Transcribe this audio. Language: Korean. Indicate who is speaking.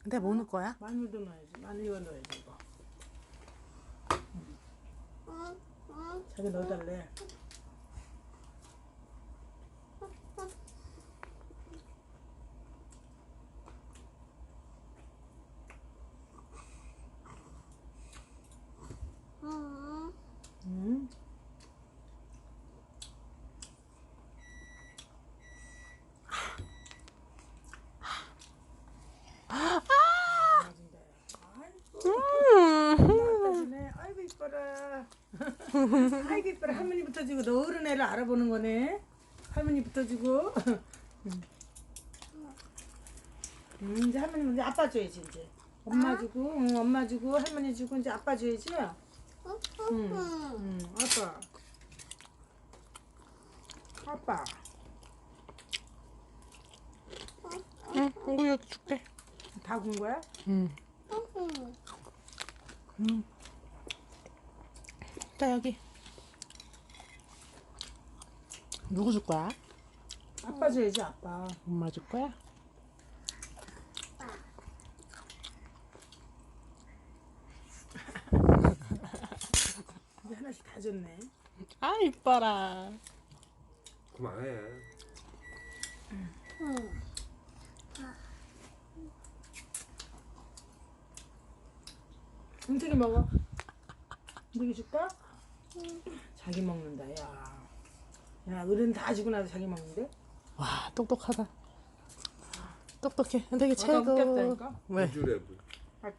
Speaker 1: 근데 뭐 넣을 거야?
Speaker 2: 마늘도 넣어야지. 마늘 이거 넣어야지 이거. 자기 넣어달래. 아이고 이뻐라. 아이고 이뻐라. 할머니부터 주고 너 어른 애를 알아보는 거네. 할머니부터 주고. 이제 할머니 먼저 아빠 줘야지 이제. 엄마 주고, 엄마 주고, 할머니 주고 이제 아빠 줘야지. 아빠. 아빠.
Speaker 1: 응, 이거 여기 줄게.
Speaker 2: 다 군 거야?
Speaker 1: 응. 자, 여기. 누구 줄 거야?
Speaker 2: 아빠 줘야지 아빠.
Speaker 1: 엄마 줄 거야?
Speaker 2: 이제 하나씩 다 줬네.
Speaker 1: 아, 이뻐라.
Speaker 3: 그만해.
Speaker 2: 은택이 먹어. 은택이 줄까? 자기 먹는다 야. 야 어른 다 주고 나서 자기 먹는데?
Speaker 1: 와, 똑똑하다. 똑똑해. 되게
Speaker 2: 아까
Speaker 1: 최고.
Speaker 2: 웃겼다니까?
Speaker 1: 왜?
Speaker 3: 우주랩을.